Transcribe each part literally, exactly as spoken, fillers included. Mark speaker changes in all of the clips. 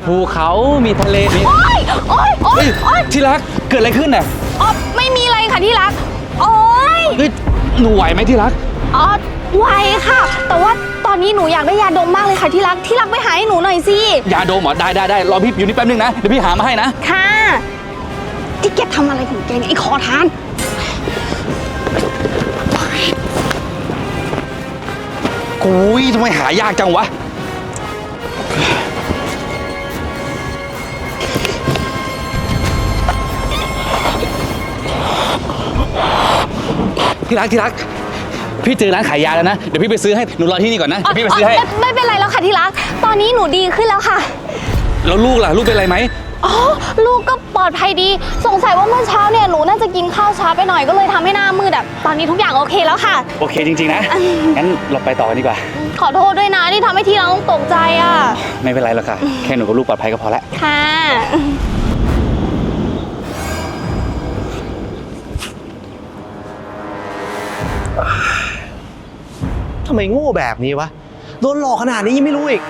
Speaker 1: ภูเขามีทะเลมี
Speaker 2: โอ๊ยโอ๊ยโอ๊ยโอ๊ย
Speaker 1: ที่รักเกิดอะไรขึ้นน่ะ
Speaker 2: อ๋อไม่มีอะไรค่ะที่รักโอ๊ย
Speaker 1: เฮ้ยหนูไหวไหมที่รัก
Speaker 2: อ๋อไหวค่ะแต่ว่าตอนนี้หนูอยากได้ยาดมมากเลยค่ะที่รักที่รักไปหาให้หนูหน่อยสิ
Speaker 1: ยาดมเหรอได้ได้ได้รอพี่อยู่นี่แป๊บนึงนะเดี๋ยวพี่หามาให้นะ
Speaker 2: ค่ะที่แกทำอะไรของแกเนี่ยไอ้ขอทาน
Speaker 1: กุยทำไมหายากจังวะที่รักที่รักพี่เจอร้านขายยาแล้วนะเดี๋ยวพี่ไปซื้อให้หนูรอที่นี่ก่อนนะพี่ไปซื้อให้
Speaker 2: ไม่เป็นไรแล้วค่ะที่รักตอนนี้หนูดีขึ้นแล้วค่ะ
Speaker 1: แล้วลูกล่ะลูกเป็นไรไหม
Speaker 2: อ๋อลูกก็ปลอดภัยดีสงสัยว่าเมื่อเช้าเนี่ยหนูน่าจะกินข้าวช้าไปหน่อยก็เลยทำให้หน้ามืดแบบตอนนี้ทุกอย่างโอเคแล้วค่ะ
Speaker 1: โอเคจริงๆนะงั้นเราไปต่อกันดีกว่า
Speaker 2: ขอโทษด้วยนะที่ทำให้ที่รักต้องตกใจอ่ะ
Speaker 1: ไม่เป็นไรหรอกค่ะแค่หนูกับลูกปลอดภัยก็พอแล้ว
Speaker 2: ค่ะ
Speaker 3: ทำไมโง่แบบนี้วะโดนหลอกขนาดนี้ยังไม่รู้อีก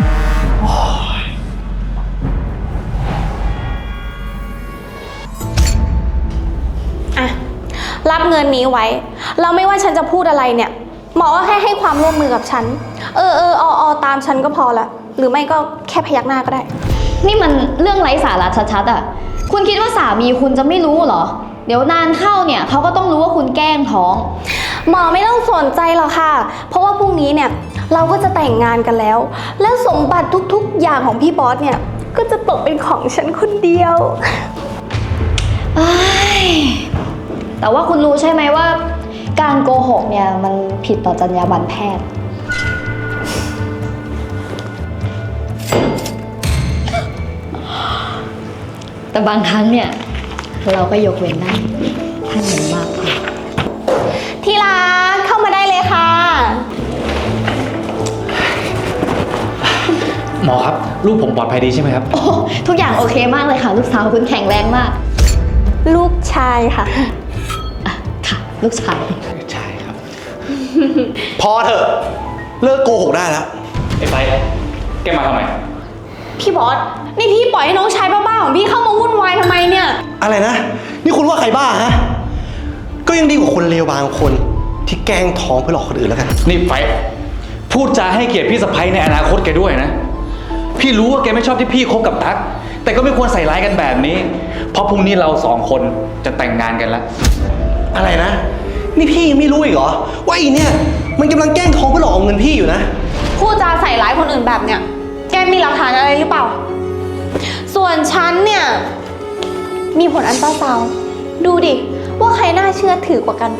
Speaker 2: อะรับเงินนี้ไว้เราไม่ว่าฉันจะพูดอะไรเนี่ยหมอก็แค่ให้ความร่วมมือกับฉันเออเออออตามฉันก็พอละหรือไม่ก็แค่พยักหน้าก็ได้
Speaker 4: นี่มันเรื่องไร้สาระชัดๆอ่ะคุณคิดว่าสามีคุณจะไม่รู้เหรอเดี๋ยวนานเข้าเนี่ยเขาก็ต้องรู้ว่าคุณแกล้งท้อง
Speaker 2: หมอไม่ต้องสนใจหรอกค่ะเพราะว่าพรุ่งนี้เนี่ยเราก็จะแต่งงานกันแล้วและสมบัติทุกๆอย่างของพี่บอสเนี่ยก็จะตกเป็นของฉันคนเดียว
Speaker 4: แต่ว่าคุณรู้ใช่ไหมว่าการโกหกเนี่ยมันผิดต่อจรรยาบรรณแพทย์แต่บางครั้งเนี่ยเราก็ยกเว้นได้ถ้ามันมากพอ
Speaker 2: ที่รักเข้ามาได้เลยค่ะ
Speaker 1: หมอครับลูกผมปลอดภัยดีใช่ไหมครับ
Speaker 4: โอ้ทุกอย่างโอเคมากเลยค่ะลูกสาวคุณแข็งแรงมาก
Speaker 2: ลูกชายค่ะ
Speaker 4: อ่ะค่ะลูกชาย
Speaker 1: ใช่ครับ
Speaker 3: พอเถอะเลิกโกหกได้แล้ว
Speaker 1: ไอ้ไปแกมาทำไม
Speaker 2: พี่บอสนี่พี่ปล่อยให้น้องชายบ้าๆของพี่เข้ามาวุ่นวายทำไมเนี่ย
Speaker 3: อะไรนะนี่คุณว่าใครบ้าฮะก็ยังดีกว่าคนเลวบางคนที่แกล้งท้องเพื่อหลอกคนอื่นแล้วกัน
Speaker 1: นี่ไปพูดจาให้เกียรติพี่สะใภ้ในอนาคตแกด้วยนะพี่รู้ว่าแกไม่ชอบที่พี่คบกับตั๊กแต่ก็ไม่ควรใส่ร้ายกันแบบนี้เพราะพรุ่งนี้เราสองคนจะแต่งงานกันแล้ว
Speaker 3: อะไรนะนี่พี่ยังไม่รู้อีกเหรอว่าอีเนี่ยมันกำลังแกล้งท้องเพื่อหลอกเอาเงินพี่อยู่นะ
Speaker 2: พูดจาใส่ร้ายคนอื่นแบบเนี้ยแกมีหลักฐานอะไรหรือเปล่าส่วนฉันเนี่ยมีผลอัลตราซาวด์ดูดิว่าใครน่าเชื่อถือกว่ากัน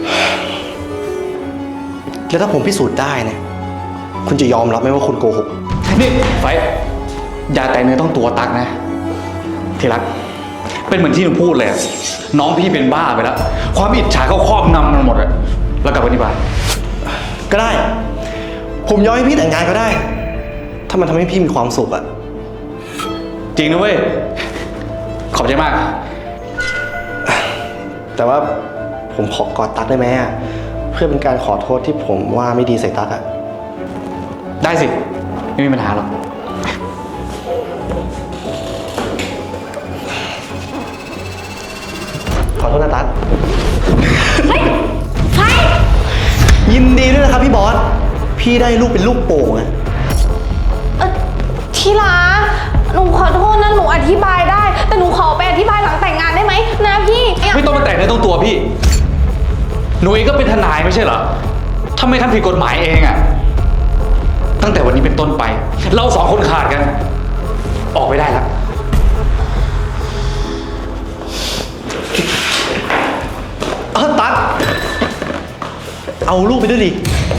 Speaker 3: แล้วถ้าผมพิสูจน์ได้เนี่ยคุณจะยอมรับไหมว่าคุณโกหก
Speaker 1: นี่ไฟอย่าแต่เนื้อต้องตัวตักนะที่รักเป็นเหมือนที่หนูพูดเลยน้องพี่เป็นบ้าไปแล้วความอิจฉาเขาครอบงำมันหมดเลยแล้วกลับไปที่บ้าน
Speaker 3: ก็ได้ผมยอมให้พี่แต่งงานก็ได้ถ้ามันทำให้พี่มีความสุขอะ
Speaker 1: จริงนะเว้ยขอบใจมาก
Speaker 3: แต่ว่าผมขอกอดตั๊กได้ไหมอะเพื่อเป็นการขอโทษที่ผมว่าไม่ดีใส่ตั๊กอะ
Speaker 1: ได้สิไม่มีปัญหาหรอก
Speaker 3: ขอโทษนะตั๊ก
Speaker 2: เฮ้ยใคร
Speaker 3: ยินดีด้วยนะครับพี่บอสพี่ได้ลูกเป็นลูกโป่งอะ
Speaker 2: เออที่รักหนูขอโทษนะหนูอธิบายได้แต่หนูขอไปอธิบายหลังแต่งงานได้ไหมนะพี่
Speaker 1: ไม่ต้องมาแต่งในต้องตัวพี่หนูเองก็เป็นทนายไม่ใช่เหรอทำไมทำผิดกฎหมายเองอะตั้งแต่วันนี้เป็นต้นไปเราสองคนขาดกันออกไปได้แล้ว
Speaker 3: เออตั๊กเอาลูกไปด้วยดิ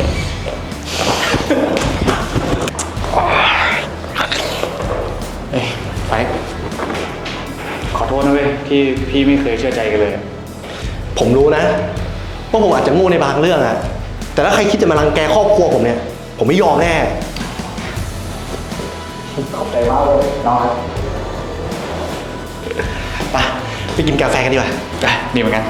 Speaker 1: เอ้ยไปขอโทษนะเว้ยที่พี่ไม่เคยเชื่อใจกันเลย
Speaker 3: ผมรู้นะว่าผมอาจจะโง่ในบางเรื่องอะแต่ถ้าใครคิดจะมารังแกครอบครัวผมเนี่ยผมไม่ยอมแน่ขอบใจมากเลยน้องไปไปกินกาแฟกันดีกว่า
Speaker 1: ได้ดีเหมือนกัน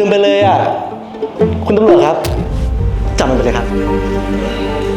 Speaker 3: ลืมไปเลยอ่ะ คุณตำรวจครับ จับมันไปเลยครับ